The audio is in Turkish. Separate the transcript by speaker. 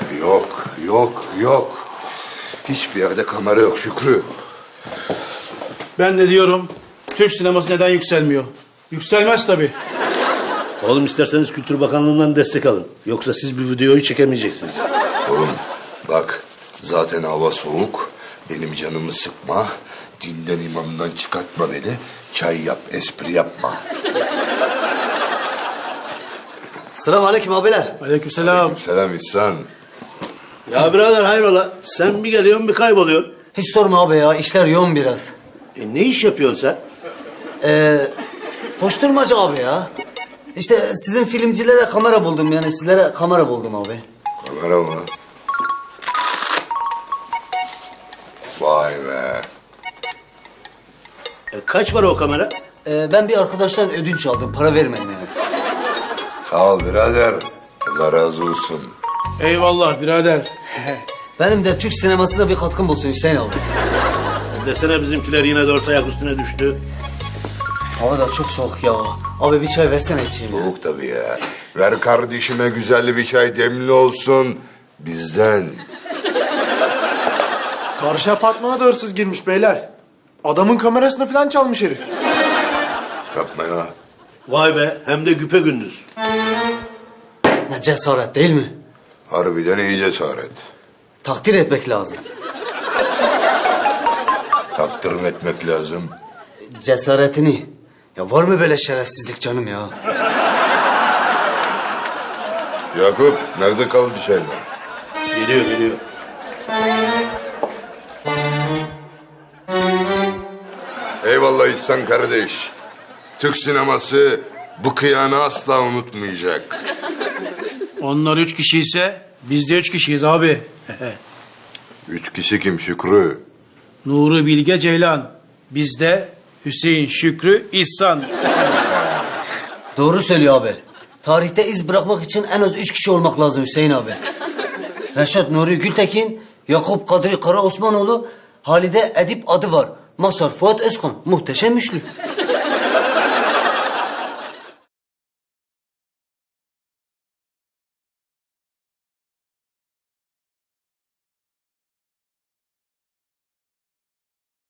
Speaker 1: Yok, yok, yok. Hiçbir yerde kamera yok Şükrü.
Speaker 2: Ben de diyorum, Türk sineması neden yükselmiyor? Yükselmez tabii.
Speaker 3: Oğlum isterseniz Kültür Bakanlığı'ndan destek alın. Yoksa siz bir videoyu çekemeyeceksiniz.
Speaker 1: Oğlum bak zaten hava soğuk. Benim canımı sıkma. Dinden imamdan çıkartma beni. Çay yap, espri yapma.
Speaker 4: Selamünaleyküm abiler.
Speaker 2: Aleykümselam.
Speaker 1: Selam İhsan.
Speaker 3: Ya birader hayrola? Sen bir geliyorsun bir kayboluyorsun.
Speaker 4: Hiç sorma abi ya, işler yoğun biraz.
Speaker 3: Ne iş yapıyorsun sen?
Speaker 4: Koşturmaca abi ya. İşte sizin filmcilere kamera buldum, yani sizlere kamera buldum abi.
Speaker 1: Kamera mı? Vay be.
Speaker 3: Kaç para o kamera?
Speaker 4: Ben bir arkadaştan ödünç aldım, para vermedim yani.
Speaker 1: Sağ ol birader. Allah razı olsun.
Speaker 2: Eyvallah birader.
Speaker 4: Benim de Türk sinemasına bir katkım olsun Hüseyin abi.
Speaker 3: Desene bizimkiler yine dört ayak üstüne düştü.
Speaker 4: Hava da çok soğuk ya. Abi bir çay versene içeyim ya.
Speaker 1: Soğuk tabii ya. Ver kardeşime güzel bir çay demli olsun. Bizden.
Speaker 5: Karşı apartmana da hırsız girmiş beyler. Adamın kamerasını falan çalmış herif.
Speaker 1: Yapma ya.
Speaker 3: Vay be hem de güpegündüz.
Speaker 4: Ne cesaret değil mi?
Speaker 1: Harbiden iyi cesaret.
Speaker 4: Takdir etmek lazım.
Speaker 1: Takdir mi etmek lazım?
Speaker 4: Cesaretini. Ya var mı böyle şerefsizlik canım ya?
Speaker 1: Yakup nerede kaldı şeyler?
Speaker 3: Geliyor.
Speaker 1: Eyvallah İhsan kardeş. Türk sineması bu kıyanı asla unutmayacak.
Speaker 2: Onlar 3 kişi ise biz de 3 kişiyiz abi.
Speaker 1: 3 kişi kim Şükrü?
Speaker 2: Nuri Bilge Ceylan. Bizde Hüseyin, Şükrü, İhsan.
Speaker 4: Doğru söylüyor abi. Tarihte iz bırakmak için en az 3 kişi olmak lazım Hüseyin abi. Reşat Nuri Gültekin, Yakup Kadri Kara Osmanoğlu, Halide Edip adı var. Mazhar Fuat Özkan, muhteşem üçlü.